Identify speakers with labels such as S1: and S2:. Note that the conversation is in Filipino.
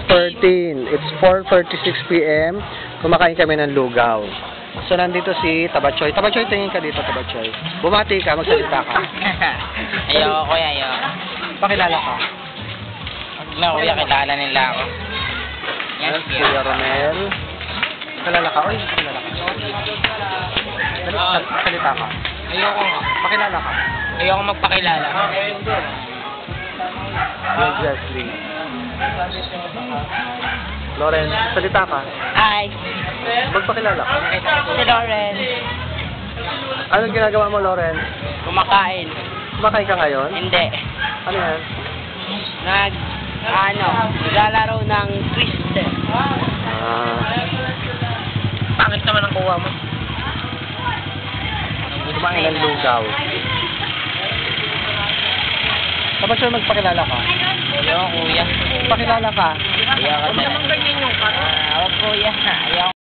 S1: 13. It's 4:36 p.m. Kumakain kami ng lugaw. So, nandito si Tabachoy. Tabachoy, tingin ka dito, Tabachoy. Bumati ka, magsalita ka.
S2: Ayoko, kuya, ayoko.
S1: Pakilala ka.
S2: Huwag na, kuya, kilala nila ako. Yan,
S1: Yes, Kuya Romel. Kilala ka. Oy, kilala ka. Salita ka.
S2: Ayoko nga.
S1: Pakilala ka.
S2: Ayoko magpakilala.
S1: Yung Jessley. Lawrence, salita ka.
S2: Hi,
S1: Magpakilala ka.
S2: si Lauren.
S1: Anong ginagawa mo, Lawrence?
S2: Kumakain.
S1: Kumakain ka ngayon?
S2: Hindi.
S1: Ano yan?
S2: Naglalaro ng Twister. Pangit naman ang kuha mo.
S1: Kumain ng lugaw. Tabachoy, magpakilala ka.
S2: Ayoko, kuya.
S1: Pakilala ka.
S2: Ayoko. Huwag naman ganyan yung karo. Huwag, kuya. Ayoko.